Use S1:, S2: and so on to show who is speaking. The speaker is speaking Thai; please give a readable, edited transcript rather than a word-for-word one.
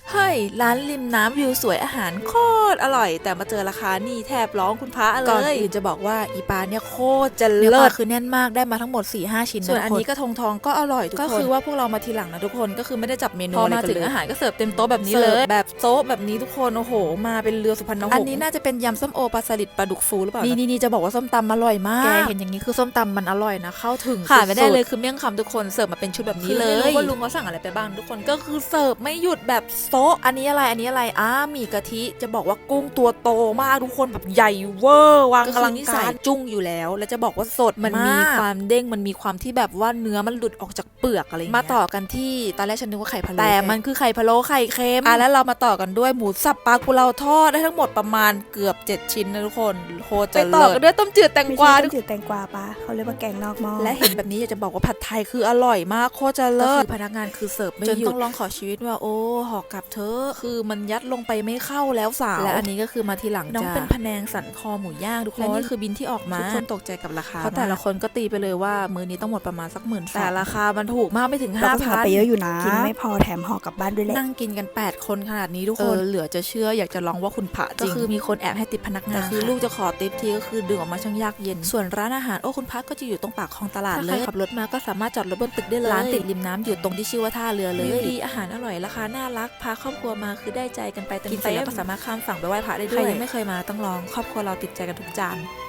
S1: เฮ้ยร้านริมน้ำวิวสวยอาหารโคตรอร่อยแต่มาเจอราคานี่แทบร้องคุณพระเลยก่อนอื่นจะบอกว่าอีปลาเนี่ยโคตรจะเลิศคือแน่นมากได้มาทั้งหมด 4-5 ชิ้นส่วนอันนี้กระทงทองก็อร่อยทุกคนก็คือว่าพวกเรามาทีหลังนะทุกคนก็คือไม่ได้จับเมนูอะไรกันเลยพอมาถึงอาหารก็เสิร์ฟเต็มโต๊ะแบบนี้เลยแบบโต๊ะแบบนี้ทุกคนโอ้โหมาเป็นเรือสุพรรณหงส์อันนี้น่าจะเป็นยำส้มโอปลาสลิดปลาดุกฟูหรือเปล่านี่จะบอกว่าส้มตำอร่อยมากแกเห็นอย่างนี้คือส้มตำมันอร่อยนะเข้าถึงขาดไม่ได้เลยคือเมี่ยงคำทุกคนเสิร์ฟมาเป็นชุดแบบนี้เลยไม่รู้ว่าลุงเขาสั่งอะไรไปบ้างทุกคนก็คือเสิร์ฟไม่หยุดแบบโต๊ะอันนี้อะไรหมี่กะทิจะบอกว่ากุ้งตัวโตมากทุกคนแบบใหญ่เวอร์วางกำลังการจุ้งอยู่แล้วแล้วจะบอกว่าสดมันมีความเด้งมันมีความที่แบบว่าเนื้อมันหลุดออกจากเปลือกอะไรมาต่อกันที่ตอนแรกฉันนึกว่าไข่พะโล้แต่มันคือไข่พะโล้ไข่เค็มแล้วเรามาต่อกันด้วยหมูสับปลากุเลาทอดได้ทั้งหมดประมาณเกือบ7 ชิ้นนะทุกคนโคตรจะเลิศไปต่อกันด้วยต้มจืดแตงกวา
S2: ต้มจืดแตงกวาปะเขาเรียกว่าแกงนอกหม้อ
S1: และเห็นแบบนี้อยากจะบอกว่าผัดไทยคืออร่อยมากโคตรจะเลิศพนักงานคือเสิร์ฟไม่หยุดจนต้องร้องขอชีวิตว่าโอ้ห่อกลับเธอคือมันยัดลงไปไม่เข้าแล้วสาวและอันนี้ก็คือมาทีหลังน้องเป็นพะแนงสันคอหมูย่างทุกคนและนี่คือบินที่ออกมาทุกคนตกใจกับราคาเพราะแต่ละคนก็ตีไปเลยว่ามื้อนี้ต้องหมดประมาณสัก10,000แต่ราคามันถูกมากไม่ถึง 5,000
S2: ไปเยอะอยู่นะกินไม่พอแถมห่อกลับบ้านด้วยแหละ
S1: นั่งกินกัน8 คนขนาดนี้ทุกคนเหลือจะเชื่ออยากจะลองว่าคุณพระจริงก็คือมีคนแอบให้ติปพนักงานคือลูกจะขอติปทีก็คือดึงออกมาช่างยากเย็นส่วนร้านอาหารโอ้คุณพระก็จะอยู่ตรงปากคลองตลาดเลยขับรถมาก็สามารถจอดรถบนตึกได้เลยร้านติดริมน้ำอยู่ตรงที่ชื่อว่าท่าเรือเลยดีอาหารอร่อยราคาน่ารักพาครอบครัวมาคือได้ใจกันไปกินเสร็จแล้วก็สามารถข้ามฝั่งไปไหว้พระได้ด้วยใครยังไม่เคยมาต้องลองครอบครัวเราติดใจกันทุกจาน